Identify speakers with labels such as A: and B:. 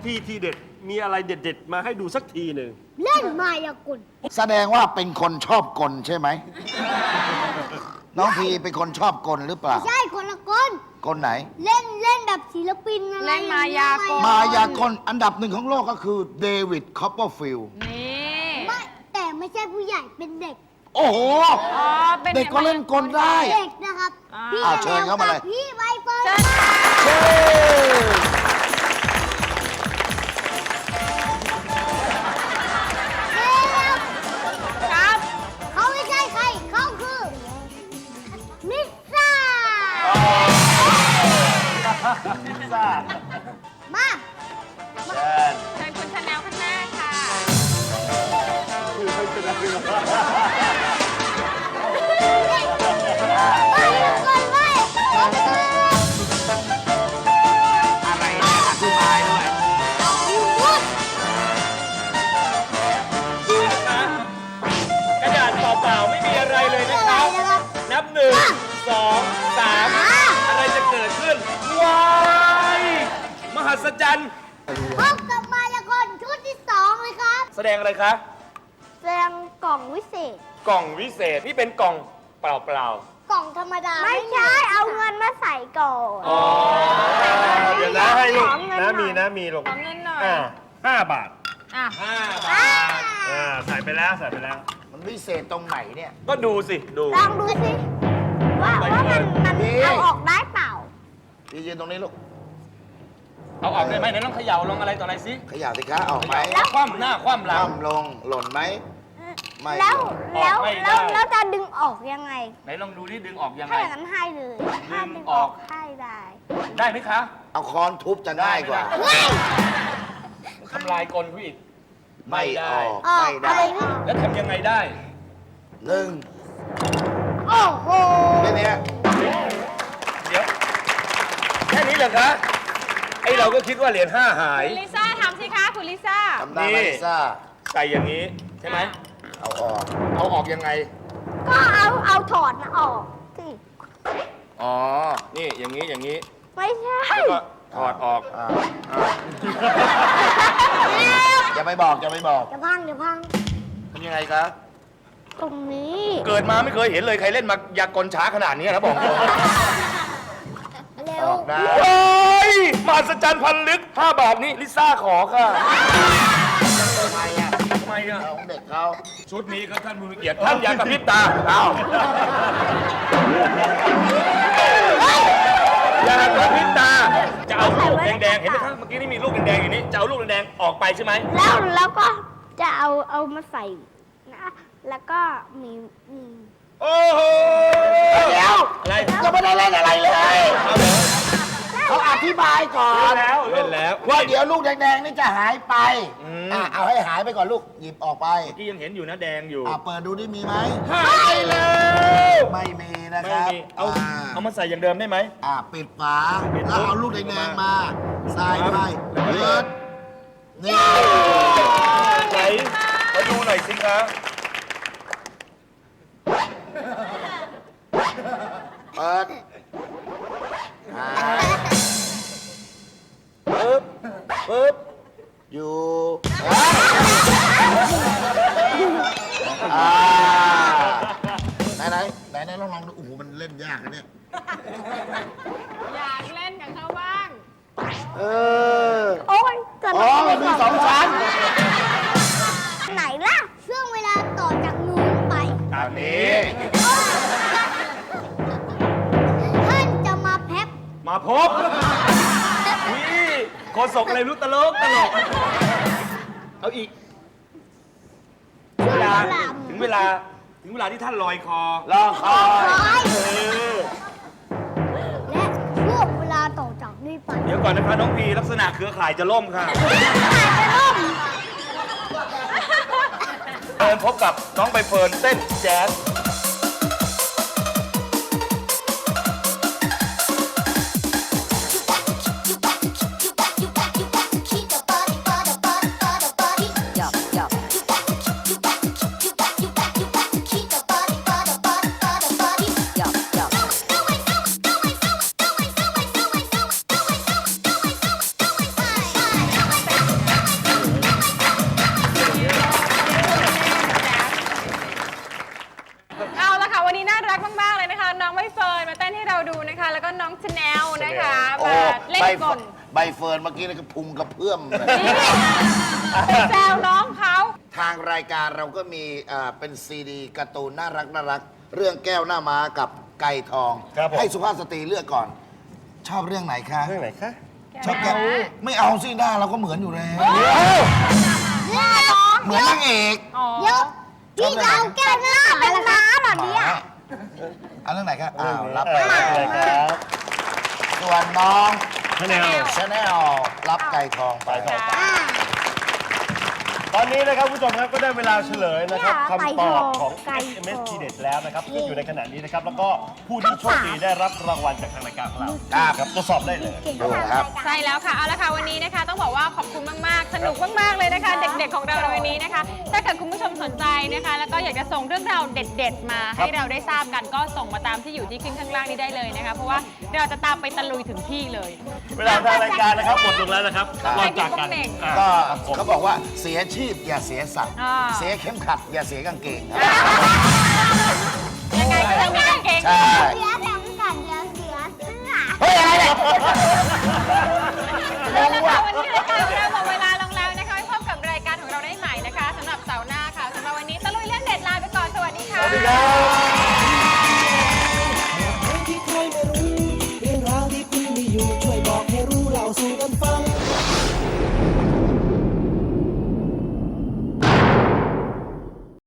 A: พี่ทีเด็ดมีอะไรเด็ดๆมาให้ดูสักทีหนึ่ง
B: เล่นมายากล
C: แสดงว่าเป็นคนชอบกลใช่ไหม น้องพีเป็นคนชอบกลหรือเปล่า
B: ใช่คนละคน
C: กลไหน
B: เล่นแบบศิลปินอะไร
D: เล่นมายากล
C: มายากลอันดับหนึ่งของโลกก็คือเดวิดคอปเปอร์ฟิลด์
D: นี่
B: ไม่แต่ไม่ใช่ผู้ใหญ่เป็นเด็ก
C: โอ้โห
D: อ๋อเป็น
C: เด็กก็เล่นกลได้
B: เด็กนะครับพี่
C: เชิญเข้ามาเลย
B: พี่ใบเฟิร์น
D: เชิญ
C: เชิญ
D: ครับ
B: เขาไม่ใช่ใครเขาคือมิสซ่า
A: พิซซ่า
B: มา
A: เชิญ
D: เชิญคุณชาแนลข้างหน้าค่ะ
B: ไปก่อนไป
C: อะไรเนี่ยอธิบายด้วย
B: พูด
A: ดูนะคะกระดาษเปล่าๆไม่มีอะไรเลยนะ
B: อะไร
A: ครับ
B: นะครับ
A: นับ 1 2 3 อะไรจะเกิดขึ้น ว้ายมหัศจรรย์
B: พบกับมายากลชุดที่2เลยครับ
A: แสดงอะไรคะ
B: แสดงกล่องวิเศษ
A: กล่องวิเศษ นี่เป็นกล่องเปล่าก
B: ล่องธรรมดา ไม่ใช่ เอาเงินมาใส่ก่อน
A: ๆอ๋อเดี๋ยวนะให้ลูก
B: ขอเงินหน่
A: นะ
B: อย
A: มีนะมีลูก
D: ขอเงินหน่อย
A: 5 บาท
D: อ่ะ
A: 5 บาทใส่ไปแล้วใส่ไปแล้ว
C: มันวิเศษตรงไหนเนี่ย
A: ก็ดูสิ ดู
B: ลองดูสิ ว่ามัน
C: นี่
B: เอาออกได้เปล่า
C: พี่ยืนตรงนี้ลูก
A: เอาออกได้ไหมไหนลองเขย่าลองอะไรต่ออะไรสิ
C: ขยับสิคะออกไหม
A: คว่ำหน้าคว่ำหลัง
C: คว่ำลงหล่นไหม ไม่
B: แล้ว
C: หล่น
B: แล้ว
A: ออกไม่ได้
B: แล้วจะดึงออกยังไง
A: ไหนลองดูที่ดึงออกยัง
B: ถ้า
A: ไง
B: อย่างนั้นให้เลย ถ้าดึง
A: อ
B: อ
A: อ
B: อก กให้ได้
A: ได้ไหมคะ
C: เอาค้อนทุบจะง่ายกว่า
A: ทำลายกลผู้อีก
C: ไม่ออก
B: ออก
C: ไม่ได้
B: อะไรนี่
A: แล้วทำยังไงได้
C: หนึ่ง
B: โอ้โห
C: แค่เนี้ย
A: เดี๋ยว แค่นี้เหรอคะ ไอเราก็คิดว่าเหรียญ5หาย
D: คุณลิซ่าทำสิคะ คุณลิซ่า
C: ทำได้ไหม
A: นี่
C: ลิซ่า
A: ใส่อย่างนี้ใช่ไหม
C: เอาออก
A: เอาออกยังไง
B: ก็เอาถอดนะออกสิ
A: อ๋อ นี่อย่างนี้อย่างนี้
B: ไม่ใช่
A: แล้วก็ถอดออก
C: อ่าอย่าไปบอกอย่าไปบอก
B: เดี๋ยวพังเดี๋ยวพัง
C: ทำยังไงคะ
B: ตรงนี้
A: เกิดมาไม่เคยเห็นเลยใครเล่นมายากลช้าขนาดนี้นะบอกตรง
B: เร็
C: อ
B: ว
C: อกได้
A: โอ้ยมหัศจรรย์พันลึก5 บาทนี่ลิซ่าขอค่ะ
C: ทำไมอ่ะ
A: ทำไมอ่ะ
C: เอาของเด็กเขา
A: ชุดนี้ครับท่านผู้มีเกียรติท่านอย่ากระพริบตาเอาอย่ากระพริบตา จะเอาลูกแดงๆ เห็นไหมครับ เมื่อกี้นี่มีลูกแดงๆอยู่นี่ จะเอาลูกแดงๆ ออกไปใช่ไหม
B: แล้วก็จะเอามาใส่นะ แล้วก็มี
A: โอ้โห
C: เดี๋ยว
A: อะไร
C: ก็ไม่ได้เล่นอะไรเลย
A: เอาเหรอ
C: เขาอธิบายก่อน
A: เล่นแล้ว
C: ว่าเดี๋ยวลูกแดงๆนี่จะหายไป
A: อืม
C: เอาให้หายไปก่อนลูก หยิบออกไป
A: เมื่อกี้ยังเห็นอยู่นะแดงอยู่
C: เปิดดูดิมีไหม
A: หายแล้ว
C: ไม่มีนะค
A: ไม่
C: รับ
A: มีเอามาใส่อย่างเดิมได้ไหม
C: ปิดฝา แล้วเอาลูกแดงๆมาใส่ไปเปิดนี่
A: ไหนมาดูหน่อยสิคะ
C: เปิด
A: ปึ๊บปึ๊บ
C: อยู่ไหนลองดูโอ้โหมันเล่นยากนะเนี่ย
D: อยากเล่นกับเขาบ้าง
C: เออ
B: โอ้ยจะ
C: อ๋อมันมี2 ชั้น
B: ไหนล่ะซึ่งเวลาต่อจากนู้นไป
A: ตามนี้
B: ท่านจะมาแพ็บ
A: มาพบวิโคศกอะไรรู้ตลกเอาอีก เวลาถึงเวลาที่ท่านลอยคอ
C: รอคอย
A: เออ
B: และช่วงเวลาต่อจากนี้ไป
A: เดี๋ยวก่อนนะคะน้องพีลักษณะเครือข่ายจะล่มค่ะเชิญพบกับน้องใบเฟิร์นเต้นแจ๊ส
C: ใบเฟิร์นเมื่อกี้นี่ก็พุงกระเพื่อมเลย
D: ไปแซวน้องเขา
C: ทางรายการเราก็มีเป็นซีดีการ์ตูนน่ารักเรื่องแก้วหน้าม้ากับไก่ทอง
A: ครับผม
C: ให้สุภาพสตรีเลือกก่อน ชอบเรื่องไหนคะ
A: เรื่องไหนคะ
C: ชอบแก้วไม่เอาสิหน้าเราก็เหมือนอยู่แล้ว เหมือนนางเอก
D: อ๋อ
B: เดี๋ยวพี่จะเอาแก้วหน้าเป็นม้าเหรอเนี่ย
C: เอาเรื่องไหนครับอ้าวรับไป
A: เลยครับ
C: ส่วนน้อง
A: ชาแนล
C: ชาแนลรับไก่ทองไป
A: ไก่ทอง ตอนนี้นะครับผู้ชมครับก็ได้เวลาเฉลยนะครับคำตอบของ SMS ทีเด็ดแล้วนะครับที่อยู่ในขณะนี้นะครับแล้วก็ผู้ที่โชคดีได้รับรางวัลจากทางรายการของเราครับตรวจสอบได้เลย
C: ดูครับ
D: ใช่แล้วค่ะ เอาละค่ะวันนี้นะคะ ต้องบอกว่าขอบคุณมากๆ สนุกมากๆเลยนะคะ เด็กๆของเราในวันนี้นะคะ ถ้าเกิดคุณผู้ชมสนใจนะคะ แล้วก็อยากจะส่งเรื่องราวเด็ด ๆ มาให้เราได้ทราบกันก็ส่งมาตามที่อยู่ที่ขึ้นข้างล่างนี้ได้เลยนะคะ เพราะว่าเราจะตามไปตะลุยถึงที่เลย
A: เวลาทางรายการนะครับหมดลงแล้วนะครับ
D: ครับ
A: ก่อนจากกัน
C: ก็เขาบอกว่าเสียชีพอย่าเสียสัตว์
D: อ่า
C: เสียเข็มขัดอย่าเสียกางเกง
D: ยังไงก็ต้องมีกางเกง
C: ใช่
B: เสียแถมกันเดี๋ยวเสียเสื้อ
C: เฮ้ยอะไรเนี่ย
D: เอาละค่ะวันนี้รายการของเราหมดเวลาลงแล้วนะคะไว้พบกับรายการของเราได้ใหม่นะคะสำหรับเสาร์หน้าค่ะสำหรับวันนี้ตะลุยเรื่องเด็ดลาไปก่อนสวัสดีค่ะ
A: สวัสดีครับ